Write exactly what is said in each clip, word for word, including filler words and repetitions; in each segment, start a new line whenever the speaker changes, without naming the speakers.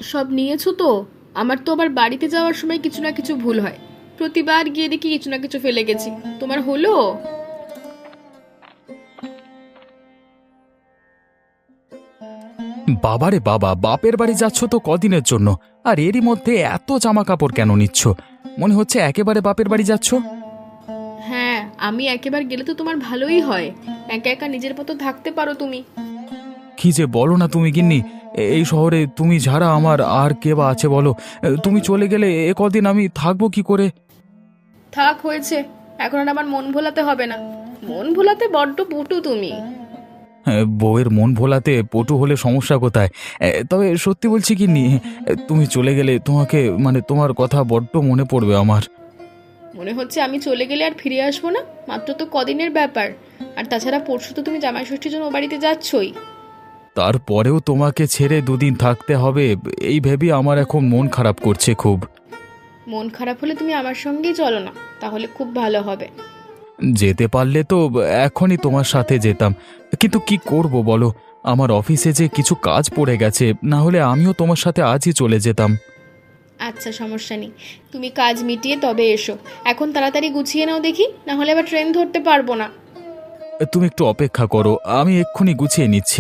সব নিয়েছো তো? আমার তো আবার বাড়িতে যাওয়ার সময় কিছু না কিছু ভুল হয়, প্রতিবার গিয়ে দেখি কিছু না কিছু ফেলে গেছি। তোমার হলো?
বাবারে বাবা, বাপের বাড়ি যাচ্ছ তো কদিনের জন্য, আর এরই মধ্যে এত জামা কাপড় কেন নিচ্ছ? মনে হচ্ছে একেবারে বাপের বাড়ি যাচ্ছ।
হ্যাঁ, আমি একেবার গেলে তো তোমার ভালোই হয়, একা একা নিজের মতো থাকতে পারো তুমি।
কি যে বলো না তুমি গিন্নি, এ- এই শহরে তুমি ছাড়া আমার আর কে বা আছে বলো? এ, তুমি চলে গেলে এ কদিন আমি থাকবো কি করে?
থাক, হয়েছে। এখন আর আমার মন ভোলাতে হবে না। মন ভোলাতে বড্ড পটু তুমি।
এ, বউয়ের মন ভোলাতে পটু হলে সমস্যা কোথায়? এ, তবে সত্যি বলছি গিন্নি, এ, তুমি চলে গেলে তোমাকে মানে তোমার কথা বড্ড মনে পড়বে আমার।
মনে হচ্ছে আমি চলে গেলে আর ফিরে আসবো না? মাত্র তো কদিনের ব্যাপার। আর তাছাড়া পরশু তো তুমি জামাই ষষ্ঠীর জন্য ও বাড়িতে যাচ্ছই।
তারপরেও তোমাকে ছেড়ে দুদিন থাকতে হবে, এই ভেবে আমার এখন মন খারাপ করছে খুব।
মন খারাপ হলে তুমি আমার সঙ্গেই চলো না, তাহলে খুব ভালো হবে।
যেতে পারলে তো এখনই তোমার সাথে যেতাম, কিন্তু কি করব বলো, আমার অফিসে যে কিছু কাজ পড়ে গেছে, না হলে আমিও তোমার সাথে আজই চলে যেতাম।
আচ্ছা, সমস্যা নেই, তুমি কাজ মিটিয়ে তবে এসো। এখন তাড়াতাড়ি গুছিয়ে নাও দেখি, না হলে আবার ট্রেন ধরতে পারবো না।
তুমি একটু অপেক্ষা করো, আমি এক্ষুনি গুছিয়ে নিচ্ছি।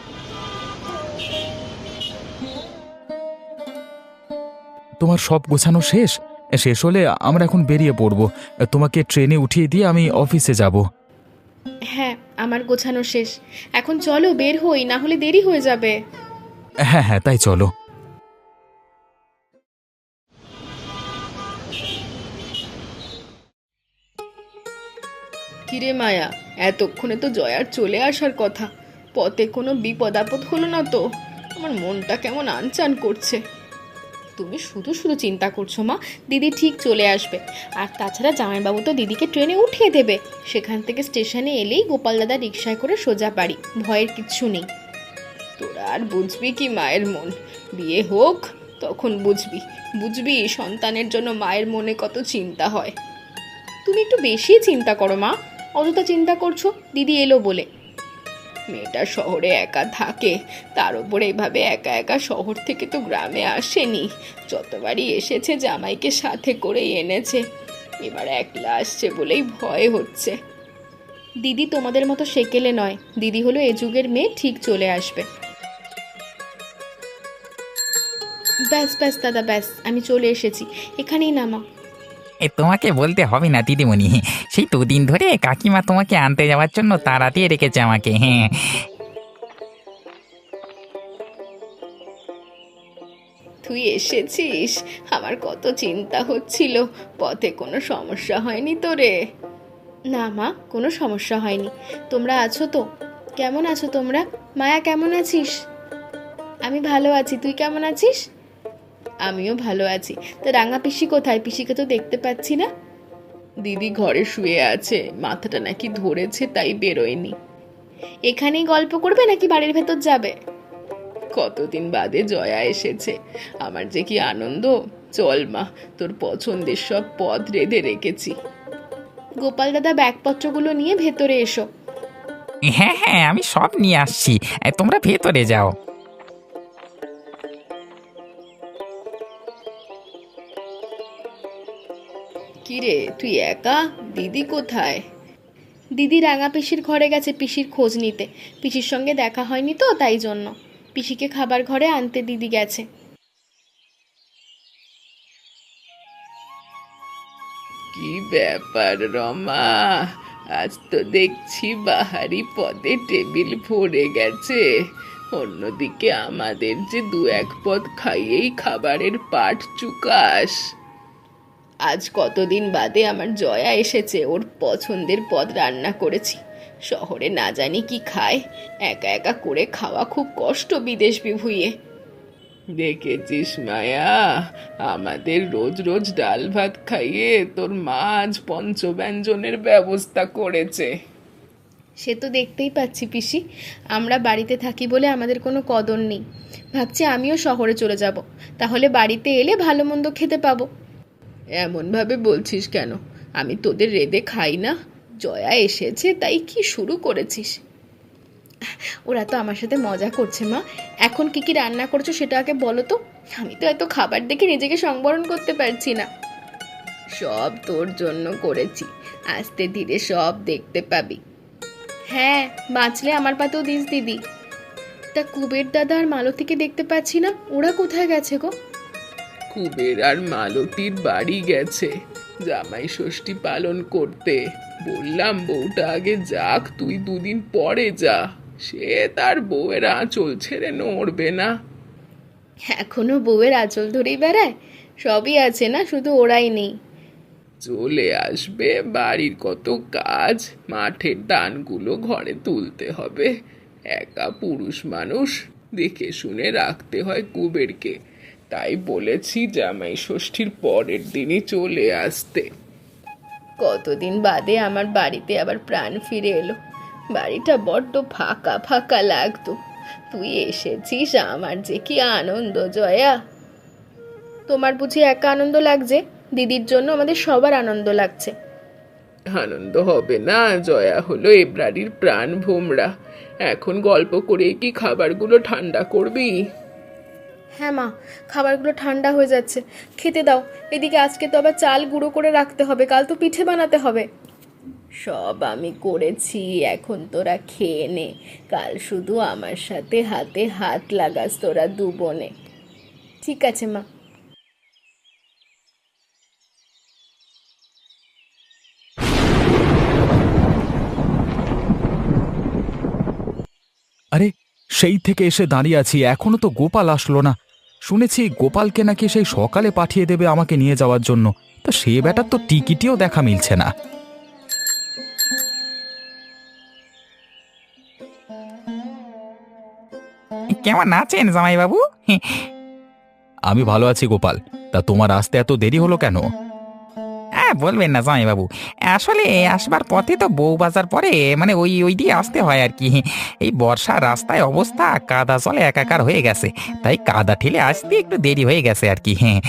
তোমার সব গোছানো শেষ? শেষ হলে আমরা এখন বেরিয়ে পড়ব। তোমাকে ট্রেনে উঠিয়ে দিয়ে আমি অফিসে যাব।
হ্যাঁ, আমার গোছানো শেষ। এখন চলো বের হই, না হলে দেরি হয়ে যাবে।
হ্যাঁ হ্যাঁ, তাই চলো।
কিরে মায়া, এতক্ষণে তো জয়ার চলে আসার কথা। পথে কোনো বিপদ আপদ হলো না তো? আমার মনটা কেমন আনচান করছে। তুমি শুধু শুধু চিন্তা করছো মা, দিদি ঠিক চলে আসবে। আর তাছাড়া জামাইবাবু তো দিদিকে ট্রেনে উঠিয়ে দেবে। সেখান থেকে স্টেশনে এলেই গোপাল দাদা রিকশায় করে সোজা বাড়ি, ভয়ের কিচ্ছু নেই। তোরা আর বুঝবি কি মায়ের মন? বিয়ে হোক, তখন বুঝবি। বুঝবি সন্তানের জন্য মায়ের মনে কত চিন্তা হয়। তুমি একটু বেশি চিন্তা করো মা। অযথা চিন্তা করছো দিদি এলো বলে। মেয়েটা শহরে একা থাকে, তার উপরে এভাবে একা একা শহর থেকে তো গ্রামে আসেনি। যতবারই এসেছে জামাইকে সাথে করেই এনেছে। এবার একলা আসছে বলেই ভয় হচ্ছে। দিদি তোমাদের মতো সেকেলে নয়, দিদি হলো এ যুগের মেয়ে, ঠিক চলে আসবে। ব্যাস ব্যাস দাদা, ব্যাস আমি চলে এসেছি, এখানেই নামা।
এ তোমাকে বলতে হবে না দিদিমণি, সেই দুদিন ধরে কাকিমা তোমাকে আনতে যাওয়ার জন্য তাড়া দিয়ে রেখেছে আমাকে। হ্যাঁ,
তুই এসেছিস? আমার কত চিন্তা হচ্ছিল, পথে কোনো সমস্যা হয়নি তো রে? না মা, কোনো সমস্যা হয়নি। তোমরা আছো তো? কেমন আছো তোমরা? মায়া কেমন আছিস? আমি ভালো আছি, তুই কেমন আছিস? আমিও ভালো আছি। তা রাঙা পিসি কোথায়? পিসিকে তো দেখতে পাচ্ছি না। দিদি ঘরে শুয়ে আছে, মাথাটা নাকি ধরেছে, তাই বেরোয়নি। এখানেই গল্প করবে নাকি বাড়ির ভেতর যাবে? কতদিন বাদে জয়া এসেছে, আমার যে কি আনন্দ। চল মা, তোর পছন্দের সব পদ রেঁধে রেখেছি। গোপাল দাদা ব্যাগপত্রগুলো নিয়ে ভেতরে এসো।
হ্যাঁ, হ্যাঁ, আমি সব নিয়ে আসছি, এ, তোমরা ভেতরে যাও।
কিরে তুই একা? দিদি কোথায়? দিদি রাঙা পিসির ঘরে গেছে পিসির খোঁজ নিতে। পিসির সঙ্গে দেখা হয়নি তো, তাই জন্য পিসিকে খাবার ঘরে আনতে দিদি গেছে। কি ব্যাপার রমা, আজ তো দেখছি বাহারি পদে টেবিল ভরে গেছে। অন্যদিকে আমাদের যে দু এক পদ খাইয়েই খাবারের পাট চুকাস। আজ কতদিন বাদে আমার জয়া এসেছে, ওর পছন্দের পদ রান্না করেছি। শহরে না জানি কি খায়, একা একা করে খাওয়া খুব কষ্ট বিদেশ বিভুঁইয়ে। দেখেছিস মায়া, আমাদের রোজ রোজ ডাল ভাত খাইয়ে তোর মা আজ পঞ্চব্যঞ্জনের ব্যবস্থা করেছে। সে তো দেখতেই পাচ্ছি পিসি, আমরা বাড়িতে থাকি বলে আমাদের কোনো কদর নেই। ভাবছি আমিও শহরে চলে যাব, তাহলে বাড়িতে এলে ভালো মন্দ খেতে পাবো। এমনভাবে বলছিস কেন? আমি তোদের রেঁধে খাই না? জয়া এসেছে তাই কি শুরু করেছিস? ওরা তো আমার সাথে মজা করছে মা। এখন কি কি রান্না করছো সেটা আগে বলো তো। আমি তো এত খাবার দেখে নিজেকে সংবরণ করতে পারছি না। সব তোর জন্য করেছি, আস্তে ধীরে সব দেখতে পাবি। হ্যাঁ, বাঁচলে আমার পাতেও দিস দিদি। তা কুবের দাদা আর মালতীকে দেখতে পাচ্ছি না, ওরা কোথায় গেছে গো?
কুবের আর মালতীর বাড়ি গেছে জামাই ষষ্ঠী পালন করতে। বললাম বউটা আগে যাক, তুই দুদিন পরে যা। সে তার বউয়ের আঁচল ছেড়ে নড়বে না।
এখনো বউয়ের আঁচল ধরেই বেড়ায়? সবই আছে না, শুধু ওরাই নেই।
চলে আসবে, বাড়ির কত কাজ, মাঠের ধানগুলো ঘরে তুলতে হবে। একা পুরুষ মানুষ, দেখে শুনে রাখতে হয় কুবেরকে। তাই বলেছি জামাই ষষ্ঠীর পরের দিনই চলে আসতে।
কতদিন বাদে আমার বাড়িতে আবার প্রাণ ফিরে এলো। বাড়িটা বড্ড ফাঁকা ফাঁকা লাগতো। তুই এসেছিস, আমার যে কি আনন্দ জয়া। তোমার বুঝি একা আনন্দ লাগছে? দিদির জন্য আমাদের সবার আনন্দ লাগছে।
আনন্দ হবে না? জয়া হলো এ বাড়ির প্রাণ ভোমরা। এখন গল্প করে কি খাবারগুলো ঠান্ডা করবি?
হ্যাঁ মা, খাবারগুলো ঠান্ডা হয়ে যাচ্ছে, খেতে দাও। এদিকে আজকে তো আবার চাল গুঁড়ো করে রাখতে হবে, কাল তো পিঠে বানাতে হবে। সব আমি করেছি, এখন তোরা খেয়ে নে। কাল শুধু আমার সাথে হাতে হাত লাগাস তোরা দু বোনে। ঠিক আছে মা।
আরে, সেই থেকে এসে দাঁড়িয়ে আছি, এখনো তো গোপাল আসলো না। শুনেছি গোপালকে নাকি সেই সকালে পাঠিয়ে দেবে আমাকে নিয়ে যাওয়ার জন্য। তা সে ব্যাটার তো টিকিটিও দেখা মিলছে না।
কেমন আছেন জামাইবাবু?
আমি ভালো আছি গোপাল। তা তোমার আসতে এত দেরি হলো কেন?
হ্যাঁ, বলবেন না জামাইবাবু, আসলে আসবার পথে তো বউ বাজার পরে মানে ওই ওই দিয়ে আসতে হয় আর কি। এই বর্ষার রাস্তায় অবস্থা কাদা জলে একাকার হয়ে গেছে, তাই কাদা ঠেলে আসতে একটু দেরি হয়ে গেছে আর কি। হ্যাঁ,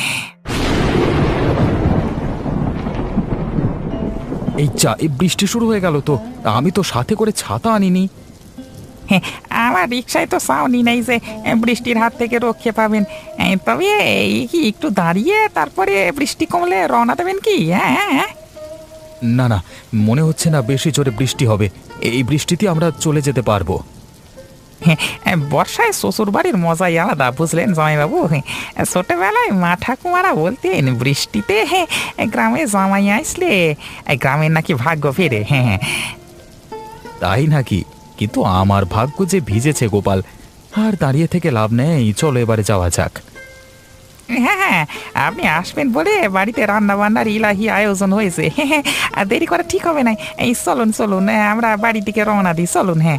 এই যা, এই বৃষ্টি শুরু হয়ে গেল তো। আমি তো সাথে করে ছাতা আনিনি।
হ্যাঁ, আমার রিক্সায় তো সাউনি নাই যে এ, বৃষ্টির হাত থেকে রক্ষে পাবেন। এ, তবে এই কি একটু দাঁড়িয়ে তারপরে বৃষ্টি কমলে রওনা দেবেন কি? হ্যাঁ হ্যাঁ হ্যাঁ।
না না, মনে হচ্ছে না বেশি জোরে বৃষ্টি হবে। এই বৃষ্টিতে আমরা চলে যেতে পারবো।
হ্যাঁ, বর্ষায় শ্বশুর বাড়ির মজাই আলাদা, বুঝলেন জামাইবাবু। হ্যাঁ, ছোটবেলায় মা ঠাকুমারা বলতেন বৃষ্টিতে হ্যাঁ গ্রামে জামাই আসলে এ, গ্রামের নাকি ভাগ্য ফেরে। হ্যাঁ হ্যাঁ।
তাই নাকি? কিন্তু আমার ভাগ্য যে ভিজেছে গোপাল। আর দাঁড়িয়ে থেকে লাভ নেই, চলো এবারে যাওয়া যাক।
হ্যাঁ হ্যাঁ, আপনি আসবেন বলে বাড়িতে রান্না বান্নার ইলাহি আয়োজন হয়েছে। হ্যাঁ হ্যাঁ, আর দেরি করা ঠিক হবে না। এই চলুন চলুন, হ্যাঁ, আমরা বাড়ি থেকে রওনা দিই, চলুন। হ্যাঁ,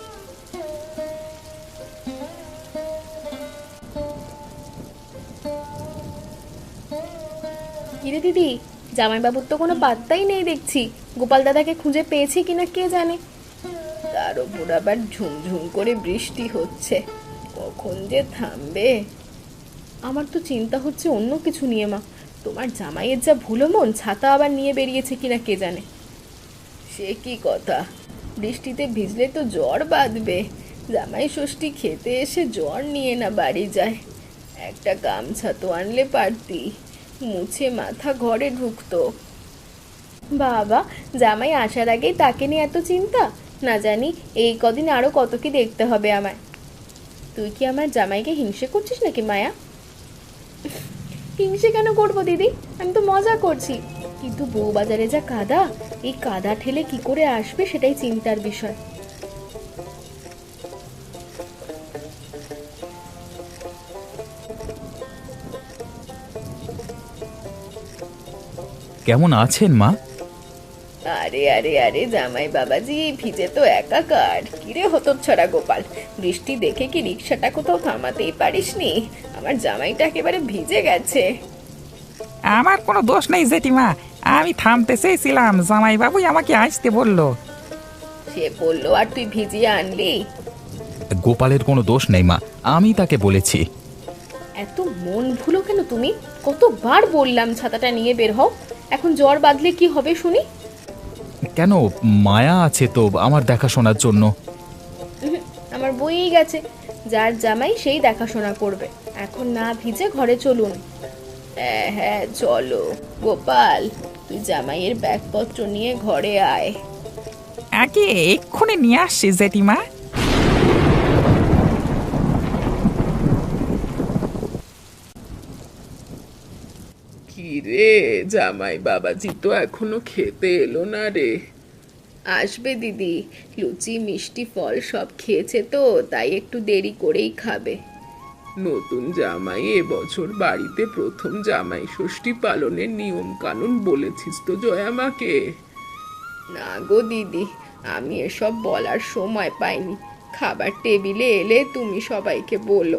কিরে দিদি, জামাইবাবুর তো কোনো পাত্তাই নেই দেখছি। গোপাল দাদাকে খুঁজে পেয়েছি কিনা কে জানে। তার ওপর আবার ঝুমঝুম করে বৃষ্টি হচ্ছে, কখন যে থামবে। আমার তো চিন্তা হচ্ছে অন্য কিছু নিয়ে মা। তোমার জামাইয়ের যা ভুলো মন, ছাতা আবার নিয়ে বেরিয়েছে কিনা কে জানে। সে কি কথা, বৃষ্টিতে ভিজলে তো জ্বর বাঁধবে। জামাই ষষ্ঠী খেতে এসে জ্বর নিয়ে না বাড়ি যায়। একটা গামছা তো আনলে পারতি, মুছে মাথা ঘরে ঢুকতো। বাবা, জামাই আসার আগেই তাকে নিয়ে এত চিন্তা? না জানি এই কদিন আরো কত কি দেখতে হবে আমায়। তুই কি আমার জামাইকে হিংসে করছিস নাকি মায়া? হিংসে কেন করবো দিদি, আমি তো মজা করছি। কিন্তু বউ বাজারে যা কাদা, এই কাদা ঠেলে কি করে আসবে সেটাই চিন্তার বিষয়।
কেমন আছেন মা?
আরে আরে আরে জামাই বাবাজি, ভিজে তো একাকার। কিরে হতচ্ছাড়া গোপাল, বৃষ্টি দেখে কি রিক্সাটা কোথাও থামাতেই পারিসনি? আমার জামাইটা একেবারে ভিজে গেছে।
আমার কোনো দোষ নেই জেঠিমা, আমি থামতে চেয়েছিলাম, জামাইবাবুই আমাকে আসতে বললো।
সে বললো আর তুই ভিজিয়ে আনলি?
গোপালের কোনো দোষ নেই মা, আমি তাকে বলেছি।
এত মন ভুলো কেন তুমি? কতবার বললাম ছাতাটা নিয়ে বের হও। এখন জ্বর বাঁধলে কি হবে শুনি?
কেন, মায়া আছে তো আমার দেখাশোনার জন্য।
উহুম, বয়েই গেছে, যার জামাই সেই দেখাশোনা করবে। এখন না ভিজে ঘরে চলুন। হ্যাঁ হ্যাঁ চলো। গোপাল, তুই জামাইয়ের ব্যাগপত্র নিয়ে ঘরে আয়।
আগে এক্ষুনি নিয়ে আসছি জেঠিমা।
কি রে, জামাই বাবাজি তো এখনো খেতে এলো না রে।
আসবে দিদি, লুচি মিষ্টি ফল সব খেয়েছে তো, তাই একটু দেরি করেই খাবে।
নতুন জামাই এবছর বাড়িতে প্রথম জামাই ষষ্ঠী পালনের নিয়ম কানুন বলেছিস তো জয়া মাকে?
না গো দিদি, আমি এসব বলার সময় পাইনি। খাবার টেবিলে এলে তুমি সবাইকে বলো।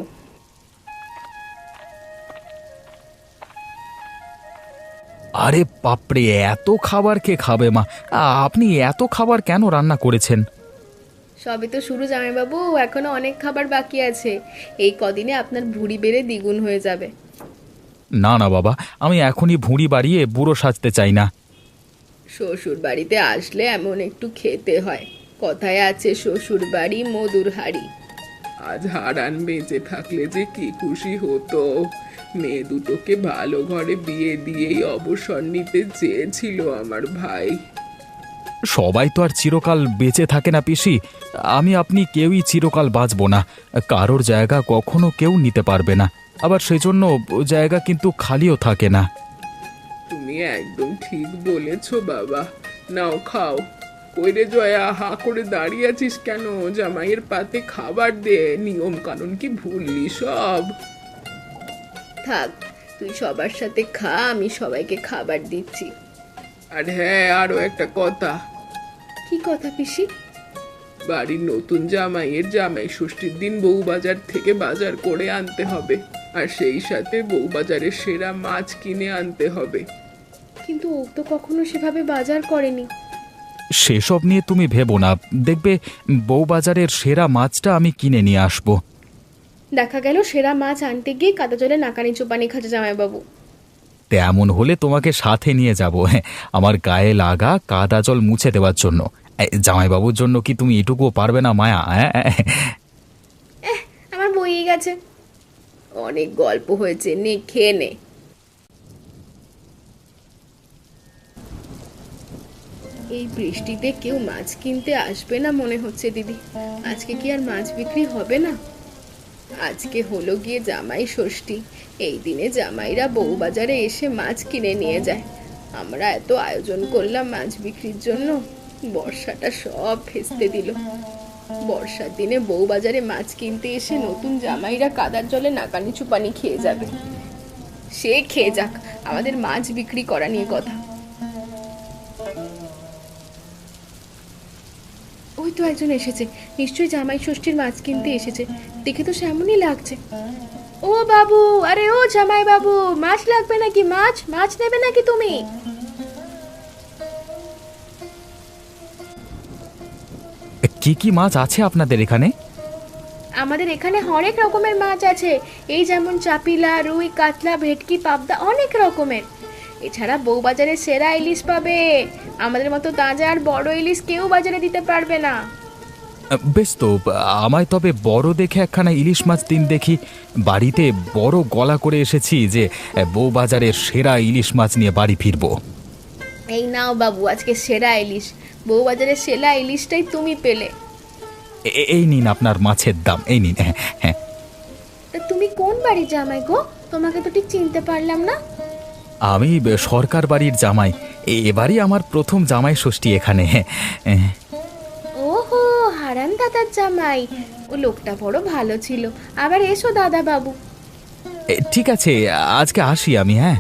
আরে বাপরে, এত খাবার কে খাবে মা? আ- আপনি এত খাবার কেন রান্না করেছেন?
সবে তো শুরু জামাইবাবু, এখনো অনেক খাবার বাকি আছে। এই কদিনে আপনার ভুঁড়ি বেড়ে দ্বিগুণ হয়ে যাবে।
না না বাবা, আমি এখনই ভুঁড়ি বাড়িয়ে বুড়ো সাজতে চাই না।
শ্বশুর বাড়িতে আসলে এমন একটু খেতে হয়। কথায় আছে শ্বশুর বাড়ি মধুর হাড়ি।
আজ হারান বেঁচে থাকলে যে কি খুশি হতো। মেয়ে দুটোকে ভালো ঘরে বিয়ে দিয়েই অবসর নিতে চেয়েছিল আমার ভাই।
সবাই তো আর চিরকাল বেঁচে থাকে না পিসি। আমি আপনি কেউই চিরকাল বাঁচব না। কারোর জায়গা কখনো কেউ নিতে পারবে না, আবার সেজন্য জায়গা কিন্তু খালিও থাকে না।
তুমি একদম ঠিক বলেছ বাবা। নাও খাও। কইরে জয়া, হা করে দাঁড়িয়ে আছিস কেন? জামাইয়ের পাতে খাবার দে। নিয়ম কানুন কি ভুললি সব?
থাক, তুই সবার সাথে খা, আমি সবাইকে খাবার দিচ্ছি।
আর হ্যাঁ, আরো একটা কথা।
কি কথা পিসি?
বাড়ির নতুন জামাইয়ের জামাই ষষ্ঠীর দিন বউবাজার থেকে বাজার করে আনতে হবে, আর সেই সাথে বউবাজারের সেরা মাছ কিনে আনতে হবে।
কিন্তু ও তো কখনো সেভাবে বাজার করেনি।
সেসব নিয়ে তুমি ভেবো না, দেখবে বউবাজারের সেরা মাছটা আমি কিনে নিয়ে আসবো।
দেখা গেল সেরা মাছ আনতে গিয়ে কাদা জলে নাকানি চোপানি খাচ্ছে জামাইবাবু।
তেমন হলে তোমাকে সাথে নিয়ে যাব, আমার গায়ে লাগা কাদা জল মুছে দেওয়ার জন্য। এই, জামাইবাবুর জন্য কি তুমি এটুকুও পারবে না মায়া? হ্যাঁ,
আমার বইয়ে গেছে। অনেক গল্প হয়েছে, নে খেয়ে নে। এই বৃষ্টিতে কেউ মাছ কিনতে আসবে না মনে হচ্ছে দিদি। আজকে কি আর মাছ বিক্রি হবে না? আজকে হলো গিয়ে জামাই ষষ্ঠী। এই দিনে জামাইরা বউ বাজারে এসে মাছ কিনে নিয়ে যায়। আমরা এত আয়োজন করলাম মাছ বিক্রির জন্য, বর্ষাটা সব ভেস্তে দিল। বর্ষার দিনে বউ বাজারে মাছ কিনতে এসে নতুন জামাইরা কাদার জলে নাকানি চুপানি খেয়ে যাবে। সে খেয়ে যাক, আমাদের মাছ বিক্রি করা নিয়ে কথা। ওই তো একজন এসেছে, নিশ্চয়ই জামাই ষষ্ঠীর মাছ কিনতে এসেছে। দেখে তো সেমনই লাগছে। ও বাবু, আরে ও জামাই বাবু, মাছ লাগবে নাকি? মাছ মাছ নেবে নাকি তুমি?
কি কি মাছ আছে আপনাদের এখানে?
আমাদের এখানে অনেক রকমের মাছ আছে। এই যেমন চাপিলা, রুই, কাতলা, ভেটকি, পাবদা, অনেক রকমের। এছাড়া বউবাজারে সেরা ইলিশ পাবে। আমাদের মতো তাজা আর বড় ইলিশ কেউ বাজারে দিতে পারবে না।
বেশ তো, আমায় তবে বড় দেখে একখানা ইলিশ মাছ দিন দেখি। বাড়িতে বড় গলা করে এসেছি যে বউবাজারের সেরা ইলিশ মাছ নিয়ে বাড়ি ফিরবো।
এই নাও বাবু, আজকে সেরা ইলিশ। বউবাজারের সেরা ইলিশটাই তুমি পেলে।
এ- এই নিন আপনার মাছের দাম, এই নিন। হ্যাঁ হ্যাঁ।
তা তুমি কোন বাড়ির জামাই গো? তোমাকে তো ঠিক চিনতে পারলাম না।
আমি সরকার বাড়ির জামাই। এ- এবারই আমার প্রথম জামাই ষষ্ঠী এখানে। হ্যাঁ।
ওহো, হারান দাদার জামাই। ও লোকটা বড় ভালো ছিল। আবার এসো দাদা বাবু।
এ, ঠিক আছে, আজকে আসি আমি। হ্যাঁ।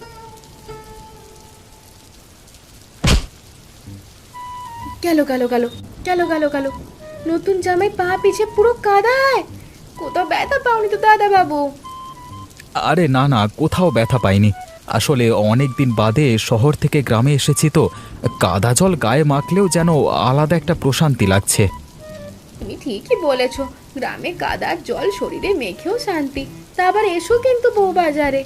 গেল গেল গেল গেল গেল গেল নতুন জামাই পা পিছে পুরো কাদায়। কোথাও ব্যথা পাওনি তো দাদা বাবু?
আরে না না, কোথাও ব্যথা পাইনি। আসলে অনেক দিন বাদে শহর থেকে গ্রামে এসেছি তো, কাদা জল গায়ে মাখলেও যেন আলাদা একটা প্রশান্তি লাগছে।
তুমি ঠিকই বলেছো, গ্রামে কাদার জল শরীরে মেখেও শান্তি। তা আবার এসো কিন্তু বউ বাজারে।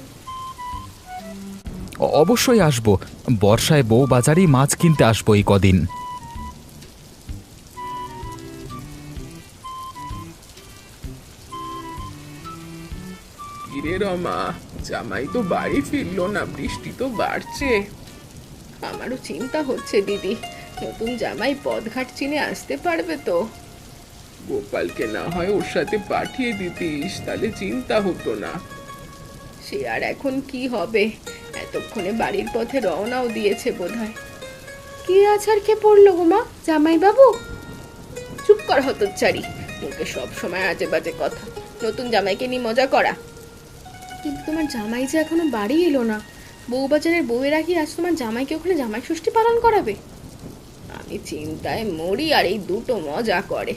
অ- অবশ্যই আসবো। বর্ষায় বউ বাজারেই মাছ কিনতে আসবো এই কদিন।
রমা, জামাই তো বাড়ি ফিরলো না, বৃষ্টি তো বাড়ছে।
আমারও চিন্তা হচ্ছে দিদি, নতুন জামাই পথঘাট চিনে আসতে পারবে তো?
গোপালকে না হয় ওর সাথে পাঠিয়ে দিতিস, তাহলে চিন্তা হতো না।
সে আর এখন কি হবে, এতক্ষণে বাড়ির পথে রওনাও দিয়েছে বোধহয়। কি আছাড় কে পড়লো গো মা, জামাই বাবু? চুপ কর হতচ্চারি, মুখে সব সময় আজে বাজে কথা। নতুন জামাইকে নিয়ে মজা করা। কিন্তু তোমার জামাই যে এখনো বাড়ি এলো না, বউবাজারের বউয়েরা কি আজ তোমার জামাইকে ওখানে জামাই ষষ্ঠী পালন করাবে? আমি চিন্তায় মরি আর এই দুটো মজা করে।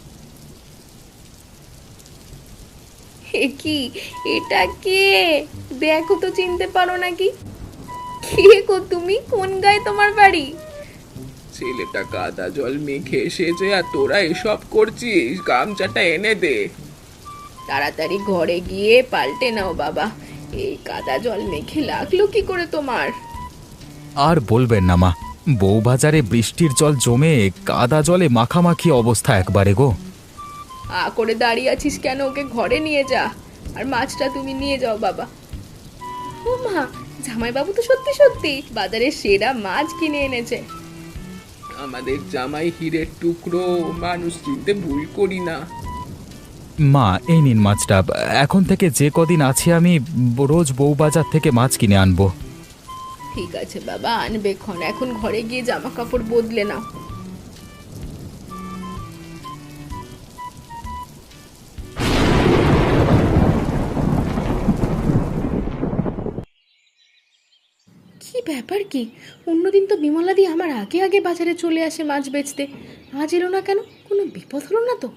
এ কি, এটা কে? দেখো তো, চিনতে পারো নাকি? কে গো তুমি? কোন গায়ে তোমার বাড়ি?
ছেলেটা কাদা জল মেখে এসেছে আর তোরা এসব করছিস, গামছাটা এনে দে।
তাড়াতাড়ি ঘরে গিয়ে পাল্টে নাও বাবা, এই কাদা জল মেখে লাগলো কি করে তোমার?
আর বলবেন না মা, বউবাজারে বৃষ্টির জল জমে কাদা জলে মাখামাখি অবস্থা একবারে গো।
আ করে দাঁড়িয়ে আছিস কেন? ওকে ঘরে নিয়ে যা, আর মাছটা তুমি নিয়ে যাও বাবা। ও মা, জামাইবাবু তো সত্যি সত্যি বাজারে সেরা মাছ কিনে এনেছে।
আমাদের জামাই হীরের টুকরো, মানুষ চিনতে ভুল করি না।
মা এই নিন মাছটা, এখন থেকে যে কদিন আছি আমি রোজ বউবাজার থেকে মাছ কিনে আনবো।
ঠিক আছে বাবা, আনবে ক্ষণ, এখন ঘরে গিয়ে জামা কাপড় বদলে নাও। কি ব্যাপার কি? অন্যদিন তো বিমলাদি আমার আগে আগে বাজারে চলে আসে মাছ বেচতে, আজ এলো না কেন? কোনো বিপদ হলো না তো?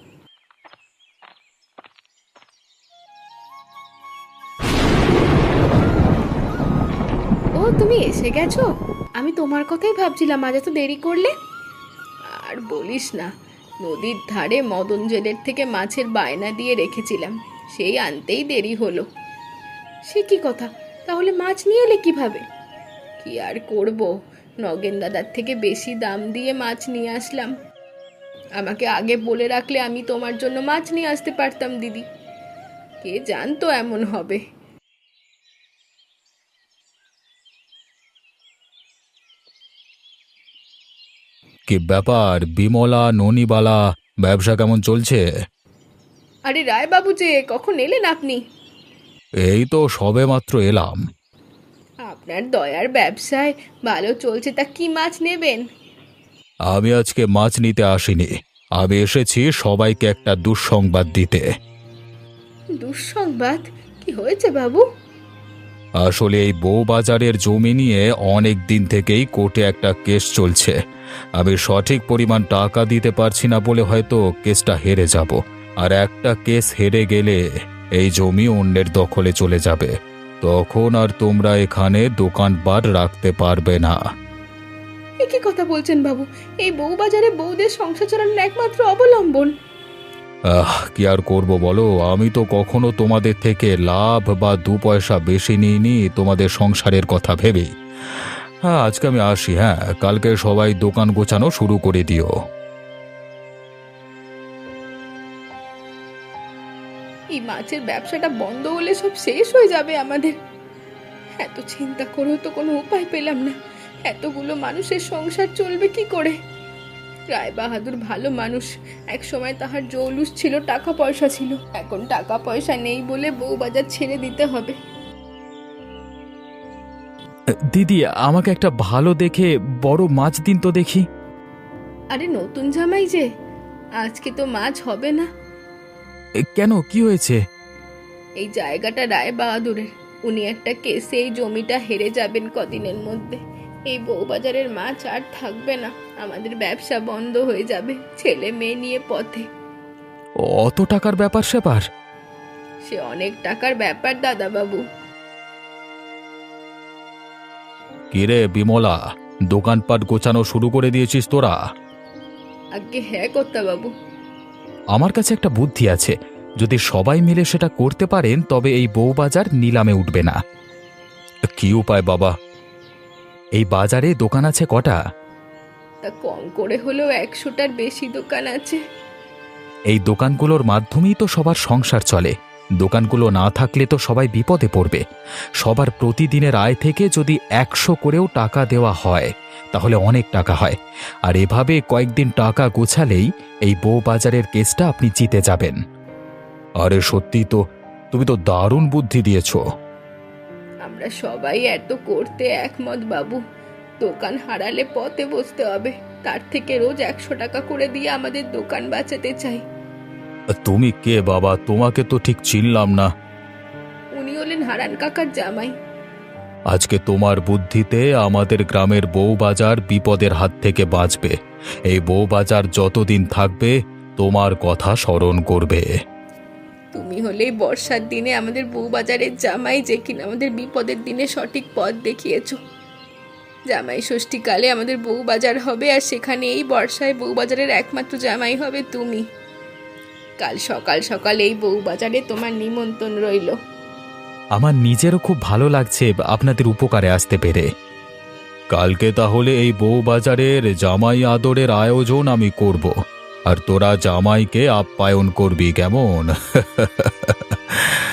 ও তুমি এসে গেছো? আমি তোমার কথাই ভাবছিলাম, আজ এত দেরি করলে। আর বলিস না, নদীর ধারে মদন জেলের থেকে মাছের বায়না দিয়ে রেখেছিলাম, সেই আনতেই দেরি হলো। সে কি কথা, তাহলে মাছ নিয়ে এলে কিভাবে? কি আর করব, নগেন দাদার থেকে বেশি দাম দিয়ে মাছ নিয়ে আসলাম। আমাকে আগে বলে রাখলে আমি তোমার জন্য মাছ নিয়ে আসতে পারতাম দিদি, কে জানতো এমন হবে।
কি ব্যাপার বিমলা, ননিবালা, ব্যবসা কেমন চলছে?
আরে রায় বাবু যে, কখন এলেন আপনি?
এই তো সবে মাত্র এলাম।
আপনার দয়ার ব্যবসায় ভালো চলছে, তা কি মাছ নেবেন?
আমি আজকে মাছ নিতে আসিনি, আমি এসেছি সবাইকে একটা দুঃসংবাদ দিতে।
দুঃসংবাদ? কি হয়েছে বাবু?
আসলে এই বউবাজারের জমি নিয়ে অনেক দিন থেকেই কোর্টে একটা কেস চলছে। আমি সঠিক পরিমাণ টাকা দিতে পারছি না বলে হয়তো কেসটা হেরে যাব, আর একটা কেস হেরে গেলে এই জমি অন্যের দখলে চলে যাবে, তখন আর তোমরা এখানে দোকানপাট রাখতে পারবে না।
এ কি কথা বলছেন বাবু? এই বউ বাজারে বউদের সংসার চালানোর একমাত্র অবলম্বন।
আহ কি আর করব বলো, আমি তো কখনো তোমাদের থেকে লাভ বা দু পয়সা বেশি নিইনি তোমাদের সংসারের কথা ভেবে। হ্যাঁ আজকে আমি আসি, হ্যাঁ কালকে সবাই দোকান গোছানো শুরু করে দিও।
এই মাছের ব্যবসাটা বন্ধ হলে সব শেষ হয়ে যাবে আমাদের। এত চিন্তা করেও তো কোনো উপায় পেলাম না, এতগুলো মানুষের সংসার চলবে কি করে? রায় বাহাদুর ভালো মানুষ, এক সময় তাহার জৌলুস ছিল, টাকা পয়সা ছিল, এখন টাকা পয়সা নেই বলে বউ বাজার ছেড়ে দিতে হবে।
দিদি আমাকে একটা ভালো দেখে বড় মাছ দিন তো দেখি।
আরে নতুন জামাই যে, আজকে তো মাছ হবে না।
এ, কেন কি হয়েছে?
এই জায়গাটা রায় বাহাদুরের, উনি একটা কেসে এই জমিটা হেরে যাবেন কদিনের মধ্যে। এই বউবাজারের মাছ আর থাকবে না, আমাদের ব্যবসা বন্ধ হয়ে যাবে, ছেলে মেয়ে নিয়ে পথে।
অত টাকার ব্যাপার স্যাপার?
সে অনেক টাকার ব্যাপার দাদা বাবু।
কিরে বিমলা, দোকানপাট গোছানো শুরু করে দিয়েছিস তোরা?
আগে হ্যাঁ কর্তা বাবু।
আমার কাছে একটা বুদ্ধি আছে, যদি সবাই মিলে সেটা করতে পারেন তবে এই বউবাজার নিলামে উঠবে না। কি উপায় বাবা? এই বাজারে দোকান আছে কটা?
তা কম করে হলেও একশোটার বেশি দোকান আছে।
এই দোকানগুলোর মাধ্যমেই তো সবার সংসার চলে। দোকানগুলো না থাকলে তো সবাই বিপদে পড়বে। সবার প্রতিদিনের আয় থেকে যদি একশো করেও টাকা দেওয়া হয় তাহলে অনেক টাকা হয়। আর এভাবে কয়েকদিন টাকা গোছালেই এই বউবাজারের কেসটা আপনি জিতে যাবেন। আরে সত্যি তো, তুমি তো দারুণ বুদ্ধি দিয়েছো।
আমরা সবাই এত করতে একমত বাবু। দোকান হারালে পথে বসতে হবে, তার থেকে রোজ একশো টাকা করে দিয়ে আমাদের দোকান বাঁচাতে চাই।
তুমি কে বাবা? তোমাকে তো ঠিক চিনলাম না।
উনি হলেন হারান কাকার জামাই।
আজকে তোমার বুদ্ধিতে আমাদের গ্রামের বউবাজার বিপদের হাত থেকে বাঁচবে। এই বউবাজার যতদিন থাকবে তোমার কথা স্মরণ করবে।
তুমি হলে এই বর্ষার দিনে আমাদের বউবাজারের জামাই, যে কিনা আমাদের বিপদের দিনে সঠিক পথ দেখিয়েছো। জামাই ষষ্ঠীকালে আমাদের বউবাজার হবে, আর সেখানে এই বর্ষায় বউবাজারের একমাত্র জামাই হবে তুমি। কাল সকাল সকাল এই বউবাজারে তোমার নিমন্ত্রণ রইল।
আমার নিজেরও খুব ভালো লাগছে আপনাদের উপকারে আসতে পেরে। কালকে তাহলে এই বউবাজারের জামাই আদরের আয়োজন আমি করব, আর তোরা জামাইকে আপ্যায়ন করবি, কেমন?